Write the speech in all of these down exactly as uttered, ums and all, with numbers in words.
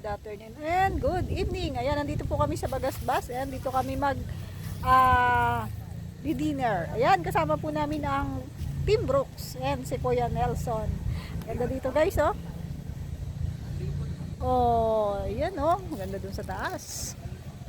afternoon and good evening. Ayan, nandito po kami sa Bagasbas. Ayan, dito kami mag uh, dinner. Ayan, kasama po namin ang Team Brooks. Ayan, si Kuya Nelson. Ganda dito guys, oh. Oh, ayan oh. Ganda dun sa taas.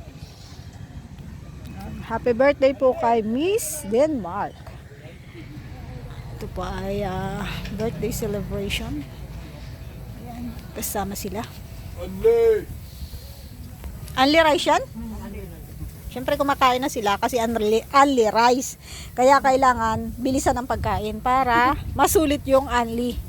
Happy birthday po kay Miss Denmark. Ito po ay uh, birthday celebration. Ayan, kasama sila. Unli! Unli rice yan? Siyempre kumakain na sila kasi unli, unli rice. Kaya kailangan bilisan ang pagkain para masulit yung unli.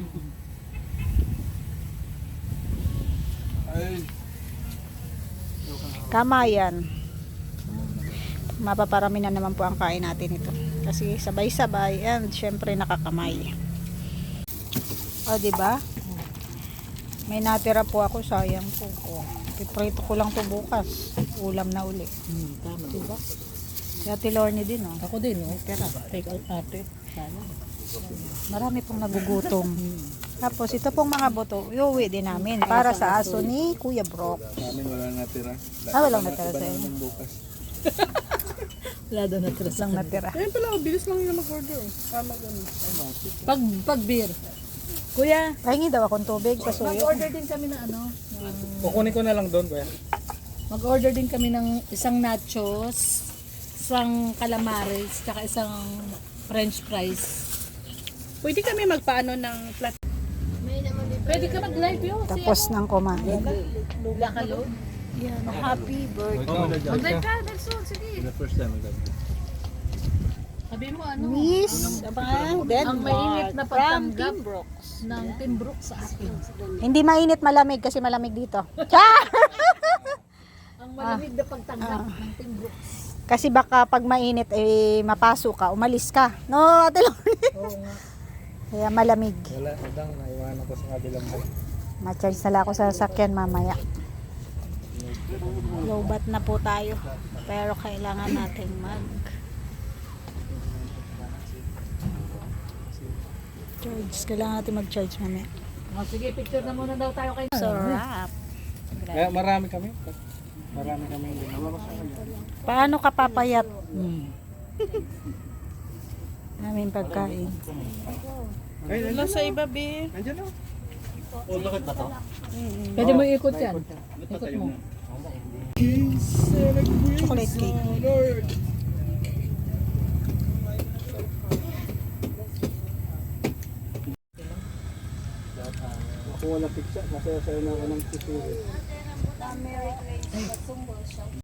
Kamayan. Mapaparami na naman po ang kain natin ito. Kasi sabay-sabay and syempre nakakamay. O, diba? May natira po ako, sayang po. O, piprito ko lang to bukas. Ulam na uli. Hmm, tama. Diba? Si Ate Lorne din, oh. Ako din, oh. Tira. Take out ate. Sana. Marami pong nagugutom. Tapos ito pong mga boto, iuwi din namin para sa aso ni Kuya Brock. Namin wala natira. Ah, walang natira Iba sa naman inyo. bukas. Wala daw natira sa Lang natira. Ayun pala, bilis lang yung mag-order. Tama ko. Ay, mati. Pag, pag beer. Kuya, Pahingi daw akong tubig, pasuyo. mag-order din kami ng ano. ng- Kukunin ko na lang doon, kuya. Mag-order din kami ng isang nachos, isang calamares, tsaka isang french fries. Pwede kami magpaano ng plat. Pwede ka mag-live yun. Tapos nang kumain. Luga ka lo. Yan, happy birthday. Mag-live ka, Nelson. Sige. The first time mag Sabi mo ano. Miss Abang Ang mainit Denmark na from pagtanggap Team Brooks. ng Team Brooks sa akin. Hindi mainit, malamig kasi malamig dito. Char! Ang malamig na pagtanggap ng Team Brooks. Kasi baka pag mainit eh mapasok ka, umalis ka. No, Ate Lorne? Oo nga. Kaya malamig. Wala, madang, naiwanan ko sa kabilang mo. Ma-charge na lang ako sa sasakyan mamaya. Lowbat na po tayo. Pero kailangan natin mag charge. Kailangan natin mag-charge mamaya. Oh, sige, picture na muna daw tayo kay Sarap. Kaya marami kami. Marami kami ginawa ko sa kanya. Paano ka papayat? Hmm. Namin pagkain. Ay, Wala sa iba, be. nandiyan na. Oh, bakit ba to? Pwede mo ikot yan. Ikot mo. Chocolate cake. Ako wala pizza. Masaya-saya na ako ng pizza.